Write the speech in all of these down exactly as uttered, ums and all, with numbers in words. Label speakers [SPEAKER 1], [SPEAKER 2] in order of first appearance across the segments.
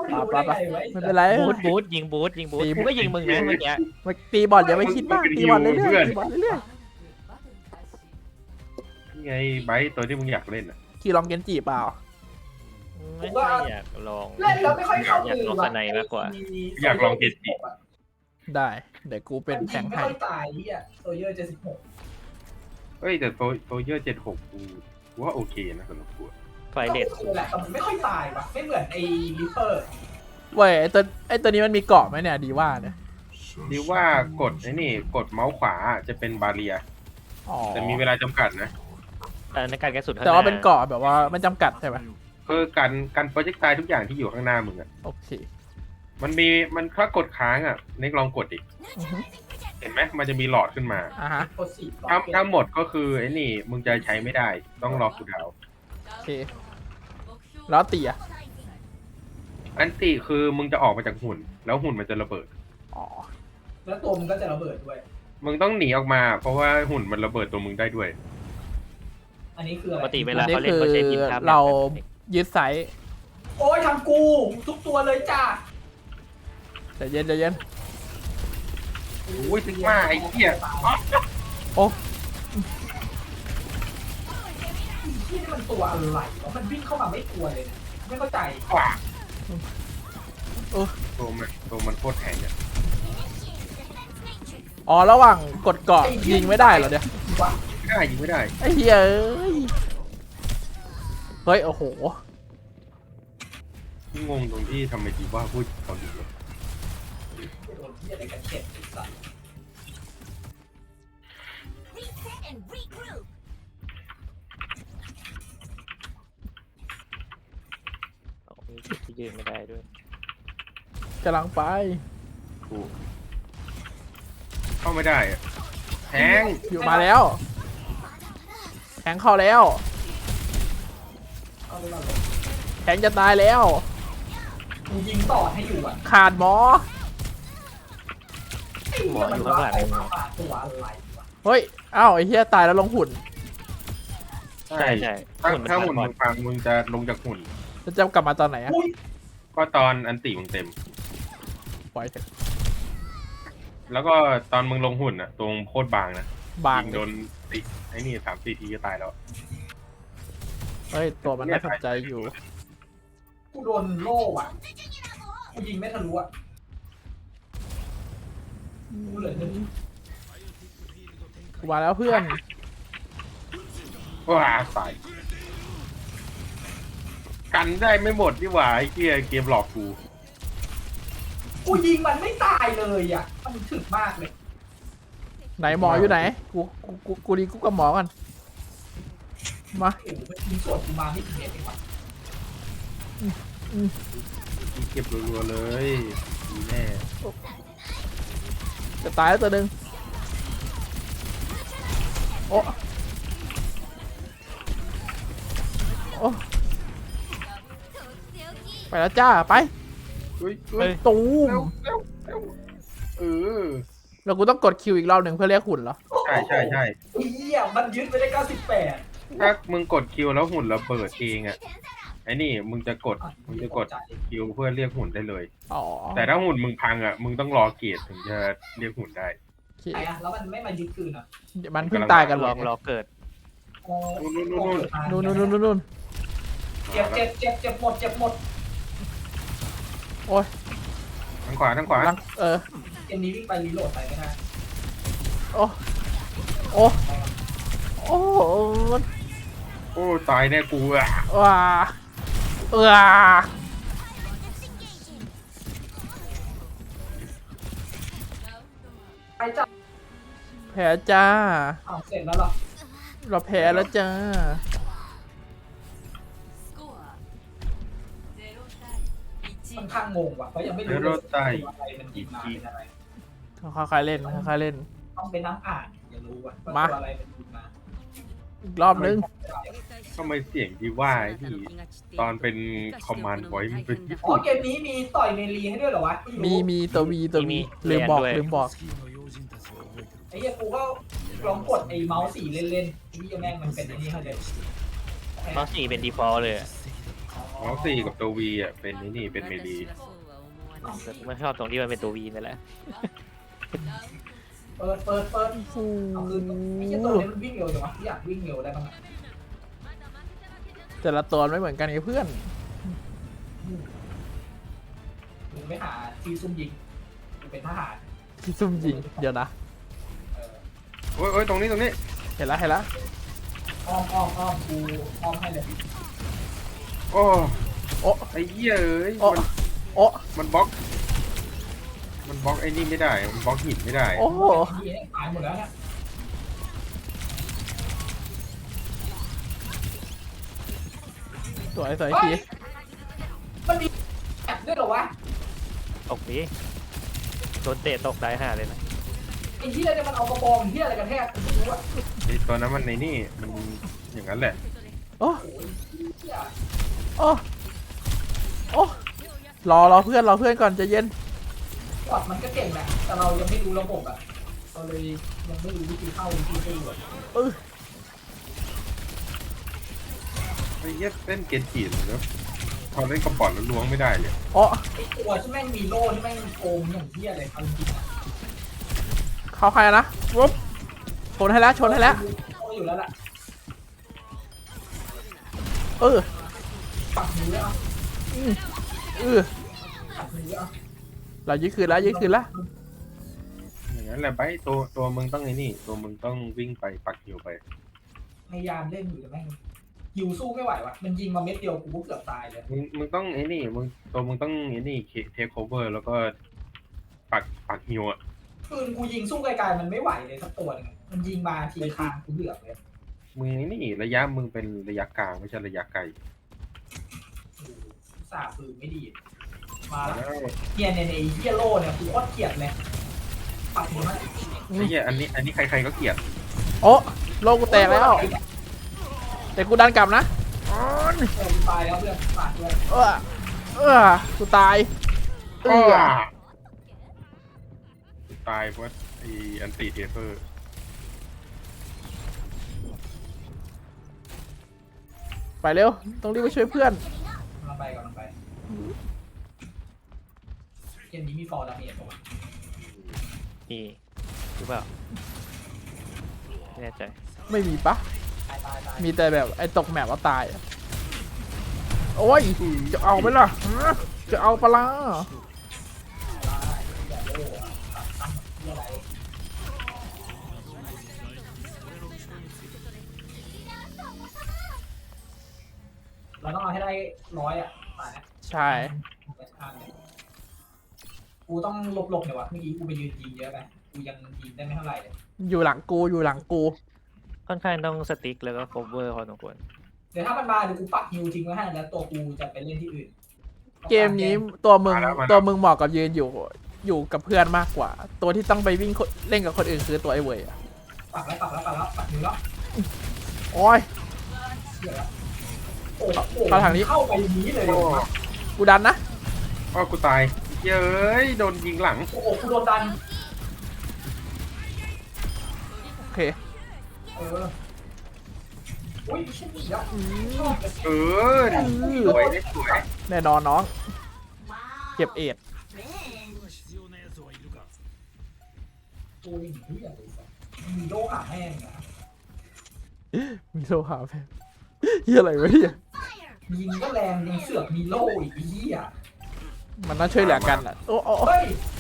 [SPEAKER 1] รู้ได้ไงวะ
[SPEAKER 2] ไม่เป็นไร
[SPEAKER 3] บูทบูทยิงบูทยิงบูทกูก็ยิงมึงนะเมื่อกี้
[SPEAKER 2] มาตีบอลอย่าไปคิดมากตีบอลเรื่อยๆตีบอลเรื่อย
[SPEAKER 4] นี่ไงไบร์ทตัวที่มึงอยากเล่นอ่ะ
[SPEAKER 2] ๆขี่ลองเกนจิเปล่า
[SPEAKER 3] ไม่ค่อยอยากลอง
[SPEAKER 1] เล่นแล้วไม่ค่อยเข้า
[SPEAKER 3] อยากลองสไนมากกว่า
[SPEAKER 4] อยากลองเกตจิ
[SPEAKER 2] ได้เดี๋ยวกูเป็นแทง
[SPEAKER 1] ไม่
[SPEAKER 2] ให้
[SPEAKER 1] ค่อยตายเฮียโซเยอร์เจ็ดสิบหก
[SPEAKER 4] เฮ้ยแต่โซโซเยอร์เจ็ดหกกูว่าโอเคนะสำหรับกู
[SPEAKER 3] ไฟเลต
[SPEAKER 1] ก็แหละแต่มันไม่ค่อยตายว่ะไม่เหมือนไอ้ลิปเปอร์
[SPEAKER 2] เว้ยไอตัวไอตัวนี้มันมีเกาะไหมเนี่ยดีว่าเนี่ย
[SPEAKER 4] ดีว่ากดไอ้นี่กดเมาส์ขวาจะเป็นบาเรีย
[SPEAKER 2] อ๋อ
[SPEAKER 4] แต่มีเวลาจำกัดนะ
[SPEAKER 3] แต่ในการกระสุน
[SPEAKER 2] แต่ว่าเป็นเกาะแบบว่ามันจำกัดใช่ไหม
[SPEAKER 4] คือการการโปรเจกต์ตายทุกอย่างที่อยู่ข้างหน้ามึงอ่ะ
[SPEAKER 2] โอเค
[SPEAKER 4] มันมีมันถ้ากดค้างอ่ะเน็กลองกดดิ
[SPEAKER 2] อือฮึ
[SPEAKER 4] เห็นไหมมันจะมีหลอดขึ้นมา
[SPEAKER 2] อ่าฮะ
[SPEAKER 1] โคสี
[SPEAKER 4] ถ้าถ้าหมดก็คือไอ้นี่มึงจะใช้ไม่ได้ต้องรอคูลดาวน์
[SPEAKER 2] โอเคแล้วตีอ่ะ
[SPEAKER 4] อันติคือมึงจะออกมาจากหุ่น แล้วหุ่นมันจะระเบิด
[SPEAKER 2] อ๋อ
[SPEAKER 1] แล้วตัวมันก็จะระเบิดด้วย
[SPEAKER 4] มึงต้องหนีออกมา เพราะว่าหุ่นมันระเบิดตัวมึงได้ด้วย
[SPEAKER 1] อันนี้คือ
[SPEAKER 3] ป
[SPEAKER 1] อะไร
[SPEAKER 3] กติเวลา
[SPEAKER 2] อันนี้
[SPEAKER 3] เขาเล่น
[SPEAKER 2] คือ
[SPEAKER 3] เขาใช้ทีมทำ
[SPEAKER 2] เรายึดไซส์
[SPEAKER 1] โอ้ยทำกูทุกตัวเลยจ้า
[SPEAKER 2] ใจเย็นใจเย็น
[SPEAKER 4] โอ้ยซิกมาไอ้เหี้ย
[SPEAKER 2] โอ้
[SPEAKER 1] ที่นี่มันตัวอะไรวะมันวิ่งเข้ามาไม่กลัวเลยนะไม่เข้าใจ
[SPEAKER 4] ว้าตัวมันตัวมันโคตรแข็งอ่ะ
[SPEAKER 2] อ๋อระหว่างกดเกาะยิงไม่ได้เหรอเนี่ย
[SPEAKER 1] วะ
[SPEAKER 4] ไม่ได้ยิงไม่ได้
[SPEAKER 2] ไอ้เหี้ยเอ้ยเฮ้ยโอ้โห
[SPEAKER 4] ที่งงตรงที่ทำไมดีว่าพูดเกาหลีวะ
[SPEAKER 1] โดนที่อะไรกันเข็ดไอ้สัส
[SPEAKER 5] Reset and regroup.
[SPEAKER 3] มีจุดที่ยืนไม่ได้ด้วย
[SPEAKER 2] กำลังไป
[SPEAKER 4] กูเข้าไม่ได้อะแทง
[SPEAKER 2] อยู่มาแล้วแทงเข้าแล้ว
[SPEAKER 1] เอาไปก่อนเลย
[SPEAKER 2] แทงจะตายแล้ว
[SPEAKER 1] กูยิงต่อให้อยู่อ่ะ
[SPEAKER 2] ขาดหมอ
[SPEAKER 3] หมออยู่ข้างหลังมึง
[SPEAKER 1] ตัวอะไรวะ
[SPEAKER 2] เฮ้ยอ้าวไอ้เหี้ยตายแล้วลงหุ่น
[SPEAKER 3] ใช่ใช่
[SPEAKER 4] ถ้า
[SPEAKER 3] หุ่นมัน
[SPEAKER 4] ถ้า
[SPEAKER 3] ขาด
[SPEAKER 4] หุ่น
[SPEAKER 3] บอ
[SPEAKER 4] มึ
[SPEAKER 3] ล
[SPEAKER 4] งฟังมึงจะลงจากหุ่น
[SPEAKER 2] จะจะกลับมาตอนไหนอะ
[SPEAKER 1] อุ้ย
[SPEAKER 4] ก็ตอนอันติมึงเต็ม
[SPEAKER 2] ปล่อยเถอะ
[SPEAKER 4] แล้วก็ตอนมึงลงหุ่นอ่ะ ตรงโคตรบางนะ
[SPEAKER 2] บาง
[SPEAKER 4] ยิงโดนติไอ้นี่สามสี่ทีก็ตายแล้ว
[SPEAKER 2] เฮ้ยตัวมันน่าสนใจอยู่
[SPEAKER 1] กูโดนโล่อ่ะกูยิงไม่ทะลุอ่ะกูเหลือหนึ่ง
[SPEAKER 2] กูมาแล้วเพื่อน
[SPEAKER 4] ว้าตายกันได้ไม่หมดนี่หว่าไอ้เกียเกมหลอกกู
[SPEAKER 1] กูยิงมันไม่ตายเลยอ่ะมันถึกมากเลย
[SPEAKER 2] ไหนหมออยู่ไหน กูกูกูกูดีกูกับหมอกันมา
[SPEAKER 1] โอ้โหมันยิงสวนกูมาไม่ถึงเมตรเองว่ะ
[SPEAKER 4] เก็บรัวๆเลยดีแน่
[SPEAKER 2] จะตายแล้วตัวหนึ่งโอ้โอ้ไปแล้วจ้าไป
[SPEAKER 4] เฮ้ยเฮ้ย
[SPEAKER 2] ตูม
[SPEAKER 4] เร็วเร็วเร็วเออ
[SPEAKER 2] แล้วกูต้องกดคิวอีกรอบหนึ่งเพื่อเรียกหุ่นเหรอ
[SPEAKER 4] ใช่ใช่ใช่
[SPEAKER 1] ไอ้เหี้ยมันยึดไปได้เก้าสิบแปด
[SPEAKER 4] ถ้ามึงกดคิวแล้วหุ่นระเบิดเองอ่ะไอ้นี่มึงจะกดมึงจะกดคิวเพื่อเรียกหุ่นได้เลย
[SPEAKER 2] อ๋อ
[SPEAKER 4] แต่ถ้าหุ่นมึงพังอ่ะมึงต้องรอเกียรถึงจะเรียกหุ่นได้
[SPEAKER 2] โอเค
[SPEAKER 1] ไหนอ่ะแล้วมันไม่มายึดคืนอ่ะ
[SPEAKER 2] มันเพิ่งตายกันห
[SPEAKER 3] ล
[SPEAKER 2] ร
[SPEAKER 3] อ
[SPEAKER 2] อง
[SPEAKER 3] รอเกิด
[SPEAKER 1] อ๋อ
[SPEAKER 4] นู่นนู่นนู่น
[SPEAKER 2] นู่นนู่นนู่นนู่น
[SPEAKER 1] เจ็บเจ็บเจ็บเจ็บหมดเจ็บหมด
[SPEAKER 2] โอ้ย
[SPEAKER 4] ทางขวาทางขวา
[SPEAKER 2] ลังเออ
[SPEAKER 1] เกมนี้วิ่งไปรีโหลดไปไม่ได้
[SPEAKER 2] โอ้โอ้โอ้
[SPEAKER 4] โอ้ตายแน่กูอ่ะ
[SPEAKER 2] ว้าว้า
[SPEAKER 1] ไปจ้ะ
[SPEAKER 2] แพ้จ้า
[SPEAKER 1] อ้าวเสร็จแล้วเหรอ
[SPEAKER 2] เราแพ้แล้วจ้า
[SPEAKER 1] ค่อนข้างงงว่ะเพราะยังไม่รู้เลยว่าอะไรมันยิงมาเป็นอะไร
[SPEAKER 2] ค่อยๆเล่นค่อยๆเล่น
[SPEAKER 1] ต้องไปนั่งอ่านอย่ารู้ว่า
[SPEAKER 2] มา
[SPEAKER 1] ตัวอะไรมันยิงมา
[SPEAKER 2] อีกรอบนึง
[SPEAKER 4] ทำไมเสียงดีว่าไอ้ที่ตอนเป็นคอมมานด์ไว้มันเป็นญี่
[SPEAKER 1] อ๋อ
[SPEAKER 4] ปุ่น
[SPEAKER 1] เกมนี้มีต่อยเมลีให้ด้วยเหรอวะ
[SPEAKER 2] มีมีตัววีตัววีลืมบอกลืมบอก
[SPEAKER 1] ไอ้เหี้ยกูก็ลองกดไอ้เมาส์สีเล่นๆไอ้เหี้ยแม่งมันเป็นไอ้นี่เขาเลย
[SPEAKER 3] เมาส์สี่เป็น default เลยอะ
[SPEAKER 4] อ๋อเมาส์สี่กับตัววีอ่ะเป็นนี่นี่เป็นเมลี
[SPEAKER 3] แต่ไม่ชอบตรงที่มันเป็นตัววีนั่นแหละ
[SPEAKER 1] เปิดเปิดเปิด
[SPEAKER 2] โอ้โห
[SPEAKER 1] เอาคืนไอ้เหี้ยตัวนี้มันวิ่งเร็วจังวะอยากวิ่งเร็วได้บ้างอะ
[SPEAKER 2] แต่ละตัวไม่เหมือนกันไอ้เพื่อน
[SPEAKER 1] มึงไม่หาที่ซุ่มยิงมึงเป็นทหาร
[SPEAKER 2] ที่ซุ่มยิงเดี๋ยวนะ
[SPEAKER 1] เออ
[SPEAKER 4] โอ้ยโอ้ยตรงนี้ตรงนี้
[SPEAKER 2] เห็นแล้วเห็นแล้ว
[SPEAKER 1] อ้อมอ้อมอ้อมกูอ้อมให้เลย
[SPEAKER 4] โอ้
[SPEAKER 2] โอ้
[SPEAKER 4] ไอ้เหี้ยเอ้ย
[SPEAKER 2] โอ้
[SPEAKER 4] มัน
[SPEAKER 2] โอ้
[SPEAKER 4] มันบล็อก มันบล็อกไอ้นี่ไม่ได้ มันบล็อกหินไม่ได้
[SPEAKER 2] โอ้โห
[SPEAKER 1] นี่ตายหมดแล้วเนี่ย
[SPEAKER 2] สวยสวยที
[SPEAKER 1] มันมีแอบด้วยเหรอวะ
[SPEAKER 3] ตกดิโดนเตะตกได้ห่าเลยนะ
[SPEAKER 1] ไอ้เหี้ยเนี่ยมันเอากระบองเหี้ยอะไรกันแทกกูไม่รู้อะ
[SPEAKER 4] ไอ้ตัวนั้นมันในนี่ มันอย่างนั้นแหละ
[SPEAKER 2] โอ้
[SPEAKER 1] โอ้ยเหี้ย
[SPEAKER 2] โอ้โอ้รอรอเพื่อนรอเพื่อนก่อนใจะเย็น
[SPEAKER 1] กอดมันก็เก่งแหละแต่เรายังไม่รู้ระบบอะเราเลยยังไม่รู้วิธีเข้าวิธีสู้อะ
[SPEAKER 2] เออ
[SPEAKER 4] ไอ้เหี้ยเล่นเกนจิเลยนะพอเล่นกระป๋องแล้วล้วงไม่ได้เลย
[SPEAKER 2] โอ้
[SPEAKER 1] ไอ้ตัวที่แม่งมีโล่ที่แม่งโกงอย่างเหี้ยอะไรเอาจริงๆอะ
[SPEAKER 2] เข้าใครอะนะปุ๊บชนให้แล้วชนให้แล้ว
[SPEAKER 1] โล่อยู่แล้วล่ะ
[SPEAKER 2] เออ
[SPEAKER 1] ปักมือแล้วเอา
[SPEAKER 2] อืมเออ
[SPEAKER 1] ปักมือแล้วเอา
[SPEAKER 2] เรายึดคืนแล้วยึดคืนแล้ว
[SPEAKER 4] อย่างนั้นแหละไปตัวตัวมึงต้องไอ้นี่ ตัวมึงต้องวิ่งไปปักหิวไป
[SPEAKER 1] พยายามเล่นอยู่แต่แม่งยิวสู้ไม่ไหววะมันยิงมาเม็ดเดียวกูก็เกือบตายเลย
[SPEAKER 4] มึงมึงต้องไอ้นี่ มึงตัวมึงต้องไอ้นี่เทคโอเวอร์แล้วก็ปักปักหิวอ่ะ
[SPEAKER 1] ปืนกูยิงสู้ไกลๆมันไม่ไหวเลยสักตัวหนึงมันยิงมาทีคางกูเดือดเลย
[SPEAKER 4] มึงไอ้นี่ระยะมึงเป็นระยะกลางไม่ใช่ระยะไกล
[SPEAKER 1] สาปืนไม่ดี มาแล้ว
[SPEAKER 4] แล้ว
[SPEAKER 1] เฮียเนี่ยไอ้เฮียโล่เนี่ยกูโคตรเกลียดเลยปักมือมัน
[SPEAKER 4] ไอ้เหี้ยอันนี้อันนี้ใครๆก็เกลียด
[SPEAKER 2] โอ้โลกกูแตกแล้วแต่กูดันกลับนะ
[SPEAKER 1] เออกูตายแล้วเพื่อนฝากด้วย
[SPEAKER 2] เออเออกูตายเออ
[SPEAKER 4] ตายเพราะไอ้อันติเทเฟอร์
[SPEAKER 2] ไปเร็วต้องรีบไปช่วยเพื่อน
[SPEAKER 1] กำลังไปกำลังไปเกมนี้มีฟอร์ดาเมจป่ะวะ
[SPEAKER 3] นี่หรือเปล่าไม่แน่ใจ
[SPEAKER 2] ไม่มีปะ
[SPEAKER 1] ตายตายตาย
[SPEAKER 2] มีแต่แบบไอ้ตกแมปว่าตายอะโอ้ยจะเอาไหมล่ะฮะจะเอาปะล่ะ
[SPEAKER 1] ตายอย่าโล่อะตัดตั้งเฮียอะไรเราต้องเอาให้ได้ร้อยอ่ะมาเนี่ย
[SPEAKER 2] ใช่
[SPEAKER 1] กูต้องหลบๆหน่อยวะเมื่อกี้กูไปยืนยิงเยอะไปกูยังยิงได้ไม่เท่าไหร่เลย
[SPEAKER 2] อยู่หลังกูอยู่หลังกู
[SPEAKER 3] ค่อนข้างต้องสติ๊กแล้วก็โคเวอร์พอสมควร
[SPEAKER 1] เดี๋ยวถ้ามันมาเดี๋ยวกูปักฮิวทิ้งไว้ให้แล้วตัวกูจะไปเล่นที่อื่น
[SPEAKER 2] เกมนี้ตัวมึงตัวมึงเหมาะกับยืนอยู่อยู่กับเพื่อนมากกว่า ตัวที่ต้องไปวิ่งเล่นกับคนอื่นคือตัวไอ้เวยอะ
[SPEAKER 1] ปักแล้วปักแล้วปักแล้วปักฮิวแล้ว
[SPEAKER 2] โอ้ย
[SPEAKER 1] เดี๋ยวแล้วโอ้โห
[SPEAKER 2] เข้าทางนี้
[SPEAKER 1] เข้าไปอย่างนี้เลยเหร
[SPEAKER 4] โอ้
[SPEAKER 1] อวะ
[SPEAKER 2] กูดันนะ
[SPEAKER 4] อ้อกูตายเย้ยโดนยิงหลัง
[SPEAKER 1] โอ้โหกูโดนดัน
[SPEAKER 2] โอเค
[SPEAKER 1] เอออุ้ยเช่นนี้แล้ว
[SPEAKER 2] อืม
[SPEAKER 4] เออสวยได้สวย
[SPEAKER 2] แน่นอนน้องเก็บเอ็ด
[SPEAKER 1] ตัวอย่างนี้อย่างไรสักมีโลหะแห้งนะ
[SPEAKER 2] มีโลหะแพงเฮียอะไรวะเนี่ย
[SPEAKER 1] ยิงก็แรงยิงเสือกมีโล่อีกไอ้เหี้ย
[SPEAKER 2] มันต้องช่วยเหลือกันอ่ะโอ้โอ้
[SPEAKER 1] เฮ้ย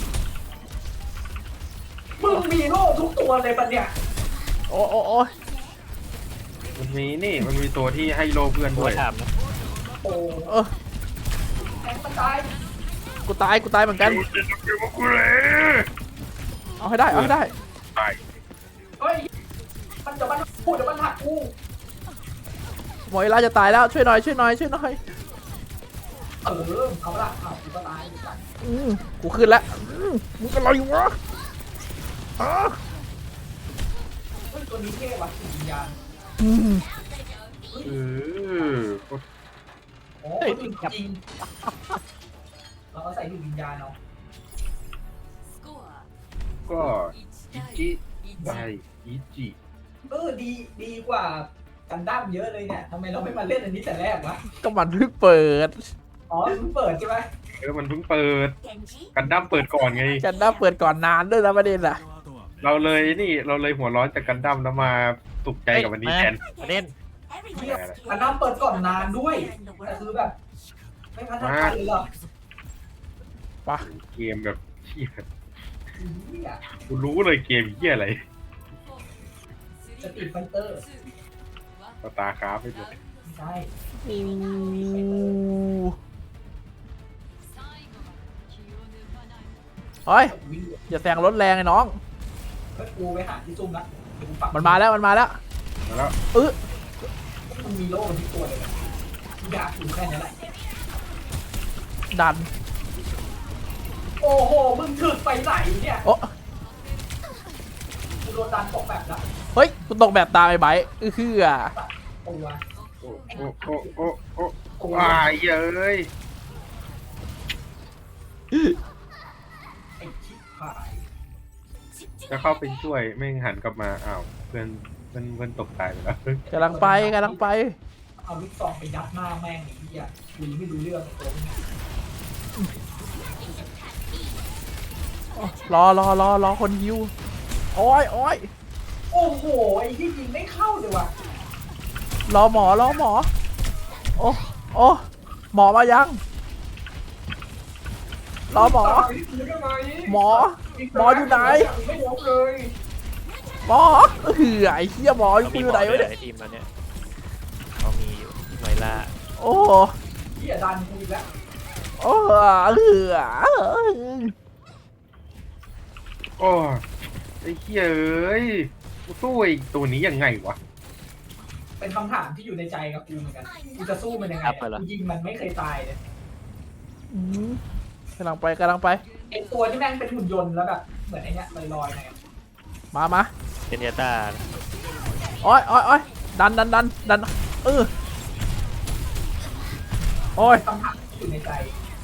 [SPEAKER 1] มึงมีโล่ทุกตัวเลยปะเนี่ย
[SPEAKER 2] โอ้โอ้โอ้
[SPEAKER 4] มันมีนี่มันมีตัวที่ให้โลเพื่อน
[SPEAKER 3] ตั
[SPEAKER 4] ด้
[SPEAKER 3] ว
[SPEAKER 4] วย
[SPEAKER 3] ถามนะ
[SPEAKER 1] โอ้
[SPEAKER 2] เออ
[SPEAKER 1] แทงมันตาย
[SPEAKER 2] กูตายกูตายเหมือนกัน
[SPEAKER 4] อยู่กับกูเลย
[SPEAKER 2] เอาให้ได้เอาให้ได้
[SPEAKER 4] ตาย
[SPEAKER 1] เฮ้ยมันจะมันพูดเดี๋ยวมันหักกู
[SPEAKER 2] หมอยลาจะตายแล้วช่วยหน่อยช่วยหน่อยช่วยหน่อย
[SPEAKER 1] เออเอาละเอากูก็ตายเหมือนกัน
[SPEAKER 2] อืมกูขึ้นแล้วอืมมึงอะไรวะอ๋อ
[SPEAKER 1] เฮ้ยตัวนี้เท่ว่ะจิตวิญญาณ
[SPEAKER 2] อืม
[SPEAKER 4] เออ
[SPEAKER 1] โอ้คนอื่นจริงเราก็ใส่จิตวิญญาณเอา
[SPEAKER 4] ก็อิจิได้อิจิ
[SPEAKER 1] เออดีดีกว่าไอกันดั้มเยอะเลยเนี่ยทำไมเราไม่มาเล่นอันนี้แต่แรกวะ
[SPEAKER 2] ก็มันเพิ่งเปิด
[SPEAKER 1] อ๋อเพิ่งเปิดใช่ไหม
[SPEAKER 4] เออมันเพิ่งเปิด
[SPEAKER 5] Genji,
[SPEAKER 4] กันดั้มเปิดก่อนไง
[SPEAKER 2] กันด้าเปิดก่อนนานด้วยนะประเด็นอ่ะ
[SPEAKER 4] เราเลยนี่เราเลยหัวร้อนจากกันดั้มแล้วมาสุขใจกับวันนี้แทน
[SPEAKER 3] ประเด็น
[SPEAKER 5] everyone
[SPEAKER 1] เที่ย
[SPEAKER 5] else
[SPEAKER 1] กันดั้มเปิดก่อนนานด้วย
[SPEAKER 5] in the
[SPEAKER 1] แต่คือ
[SPEAKER 5] world.
[SPEAKER 1] แบบ ไม่พัฒนาเลยเหรอ
[SPEAKER 2] ปะ
[SPEAKER 4] เกมแบบเหี้ย
[SPEAKER 1] เหี้ย
[SPEAKER 4] กูรู้เลยเกมเหี้ยอะไร
[SPEAKER 1] สตรีทไฟเตอร์
[SPEAKER 4] สตาร์คราฟไม่หมด
[SPEAKER 1] ใช่
[SPEAKER 2] โอ้ย
[SPEAKER 1] วิ่ง
[SPEAKER 2] อย่าแซงรถแรงไอ้น้อง
[SPEAKER 1] ก็กูไปหาที่ซุ่มละเดี๋ยวกูปัก
[SPEAKER 2] มันมาแล้วมันมาแล้ว
[SPEAKER 4] มาแล้ว
[SPEAKER 2] เออ
[SPEAKER 1] มันมีโล่มันที่ตัวเลยนะกูอยากอยู่แค่นั้นแหละ
[SPEAKER 2] ดัน
[SPEAKER 1] โอ้โห มึงถึกไปไหนเนี่ย
[SPEAKER 2] โอ้
[SPEAKER 1] กูโดนดันตกแบบละ
[SPEAKER 2] เฮ้ยกูตกแบบตามไอ้ไบค์อือคืออ่ะ
[SPEAKER 1] ตัว
[SPEAKER 4] โอ้โอ้โอ้โอ้โอ้โอ้อ้ายเอ้ย
[SPEAKER 1] ไอ้ชิบหาย
[SPEAKER 4] จะเข้าไปช่วยแม่งหันกลับมาอ้าวเพื่อนเพื่อนเพื่อนตกตายไปแล้ว
[SPEAKER 2] กำลังไปกำลังไป
[SPEAKER 1] เอาลูกซองไปยัดหน้าแม่งไอ้เหี้ยกูยังไม่รู้เรื่องไอ้ตัวนี้
[SPEAKER 2] รอรอรอรอคนฮิวโอ้ยโอ้ย
[SPEAKER 1] โอ้โห ไอ้ที่ยิงไม่เข้าเลยว่ะ
[SPEAKER 2] รอหมอรอหมอ โอ้โอ้หมอมายังรอหมอ หมอ หมออยู่ไหน
[SPEAKER 1] ไม่ยอมเลย
[SPEAKER 2] หมอเออไอ้เหี้ยหมออยู่
[SPEAKER 3] มี
[SPEAKER 2] อ
[SPEAKER 3] หม
[SPEAKER 2] ยู่ไหน
[SPEAKER 3] อด้ว
[SPEAKER 2] วะ
[SPEAKER 3] ย
[SPEAKER 2] เนี่ย
[SPEAKER 3] ไอทีมเราเนี่ยเขามีอยู่ไวล่า
[SPEAKER 2] โอ้
[SPEAKER 1] เหี้ยดันกูอีกแล้ว
[SPEAKER 2] โอ้เออ
[SPEAKER 4] โอ้ไอ้เหี้ยเอ้ยกูสู้ไอ้ตัวนี้ยังไงวะ
[SPEAKER 1] เป็นคำถามที่อยู่ในใจกับกูเหมือนกันกูจะสู้มันยังไงอะกูยิงมันไม่เคยตายเลย
[SPEAKER 2] อืมกำลังไปกำลังไป
[SPEAKER 1] ไอ้ตัวที่แม่งเป็นหุ่นยนต์แล้วแบบเหมือนไอ้เนี้ยลอยๆไง
[SPEAKER 2] มามา
[SPEAKER 3] เจเนต้า
[SPEAKER 2] โอ้ยโอ้ยโอ้ยดันดันดันดันเออโอ้ย
[SPEAKER 1] คำถามที่อยู่ในใจ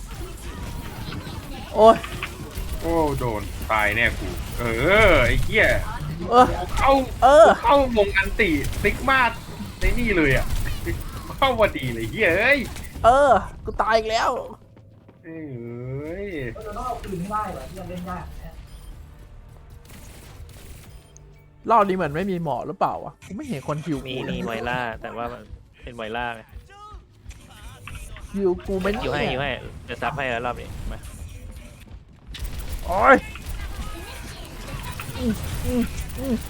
[SPEAKER 2] โอ้ย
[SPEAKER 4] โอ้โดนตายแน่กู เออไอ้เหี้ย
[SPEAKER 2] เออ
[SPEAKER 4] เข้า
[SPEAKER 2] เออ
[SPEAKER 4] เข้าวงอันติซิกมาในนี่เลยอ่ะ เข้าพอดีเลยเหี้ยเอ้ย
[SPEAKER 2] เออกูตายอีกแล้ว
[SPEAKER 4] เอ้ย
[SPEAKER 1] ก็จะต้องเอาคืนให้ได้เหรอที่มันเล่นยากเนี่ย
[SPEAKER 2] รอบนี้เหมือนไม่มีหมอหรือเปล่าวะกูไม่เห็นคนฮิว
[SPEAKER 3] มี
[SPEAKER 2] กูเล
[SPEAKER 3] มี
[SPEAKER 2] ย
[SPEAKER 3] ไวล่าแต่ว่ามันเป็นไวล่าไง
[SPEAKER 2] ฮิวกูไม่
[SPEAKER 3] อยู่ให้อยู่
[SPEAKER 2] เนี่ย
[SPEAKER 3] ให้จะซับให้แล้วรอบนี้มา
[SPEAKER 2] โอ้ยอืมอืมอืม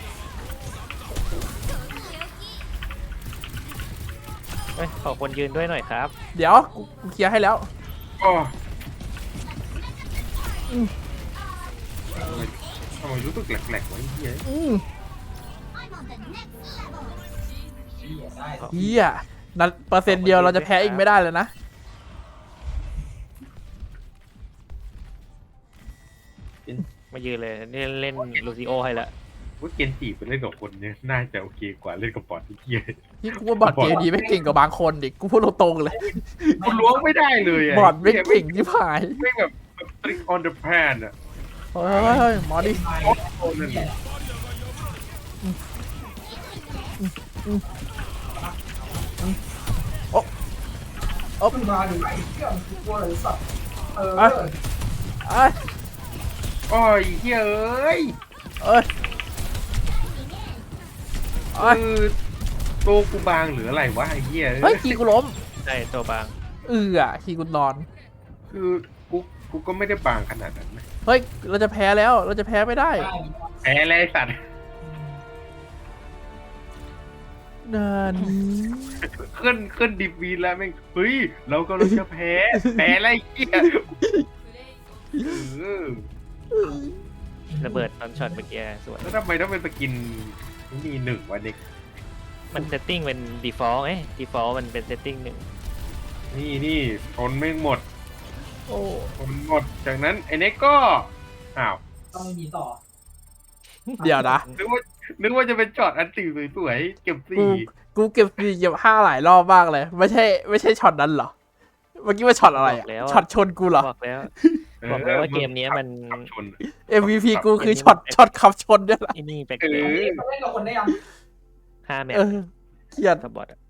[SPEAKER 3] เฮ้ยขอคนยืนด้วยหน่อยครับ
[SPEAKER 2] เดี๋ยวกูกูเคลียร์ให้แล้ว
[SPEAKER 4] อ๋อ
[SPEAKER 2] อืม
[SPEAKER 4] ทำไมรู้สึกแหลกๆวะไอ้เหี้ย
[SPEAKER 2] อืม
[SPEAKER 5] I'm on the next level.
[SPEAKER 1] เหี้ยได้
[SPEAKER 2] เฮียนั่นเปอร์เซ็นต์เดียวเราจะแพ้อีกไม่ได้เลยนะ
[SPEAKER 3] มายืนเลยนี่เล่นลูซิโอให้ละ
[SPEAKER 4] ว่าเกนจิไปเล่นกับคนเนี่ยน่าจะโอเคกว่าเล่นกับบอทที่เหี้ย
[SPEAKER 2] ที่กูว่าบอดเกมดีไม่เก่งกับบางคนดิกูพูดตรงๆเลย
[SPEAKER 4] กูล้วงไม่ได้เลยะ
[SPEAKER 2] บอดไม่เก่งที่ผาย
[SPEAKER 4] ไม่แบบแบบ trick on the pan อ่ะ
[SPEAKER 2] เฮ้ยหมอดิ
[SPEAKER 1] ไอ้เหี้ย
[SPEAKER 2] โอ้
[SPEAKER 1] เอาขึ้นมาดูไอ้เหี้ยมันคือกลัวเลยสัตว์เออ
[SPEAKER 2] เอ้ย เอ้ย
[SPEAKER 4] โอ้ยเฮ้ยเอ้ย
[SPEAKER 2] เอ้ยเอ้ย
[SPEAKER 4] คือตัวกูบางหรืออะไรวะไอ้เหี้ย
[SPEAKER 2] เฮ้ยคีกูล้ม
[SPEAKER 3] ใช่ตัวบาง
[SPEAKER 2] เอออ่ะคีกูนอน
[SPEAKER 4] คือกูกูก็ไม่ได้บางขนาดนั้นนะ
[SPEAKER 2] เฮ้ยเราจะแพ้แล้วเราจะแพ้ไม่ได้
[SPEAKER 1] ได้
[SPEAKER 4] แพ้แล้วไอ้สัตว์
[SPEAKER 2] นานนี้
[SPEAKER 4] ขึ้นขึ้นดิบวีแล้วแม่งเฮ้ยเราก็เราจะแพ้แพ้อะไรเหี้ยเออ
[SPEAKER 3] ระเบิดตอนช็อตเมื่อกี้สวย
[SPEAKER 4] แล้วทำไมต้องเป็นสกินนี่หนึ่งวะเด็ก
[SPEAKER 3] มันเซตติ้งเป็น default เอ้ย default มันเป็นเซตติ้งหนึ่ง
[SPEAKER 4] นี่นี่ทนไม่หมด
[SPEAKER 2] โอ้
[SPEAKER 4] ทนหมดจากนั้นไอ้เน็กก็อ้าว
[SPEAKER 1] ต้องมีต่อ
[SPEAKER 2] เดี๋ยวนะ
[SPEAKER 4] นึกว่านึกว่าจะเป็นช็อตอันตีสวยๆเก็บ
[SPEAKER 2] กู
[SPEAKER 4] สี่
[SPEAKER 2] กูเก็บสี่เก็บห้าหลายรอบมากเลย ไม่ใช่ ไม่ใช่ช็อตนั้นเหรอ เมื่อกี้ว่าช็อตอะไรอะช็อตชนกูเหรอ
[SPEAKER 3] บอกแล้ว บอกแล้วว่าเกมเนี้ยมัน
[SPEAKER 4] ขับชน
[SPEAKER 2] เอ็ม วี พี กูคือช็อตช็อตขับชนเนี่ยแหละ
[SPEAKER 3] ไอ้นี่แปลก
[SPEAKER 4] เออ
[SPEAKER 1] มาเล่นกับคนได้ยัง
[SPEAKER 3] ๆห้าแมต
[SPEAKER 2] เอ
[SPEAKER 3] ช์
[SPEAKER 2] อเกลียด
[SPEAKER 3] สปอร์ตอะ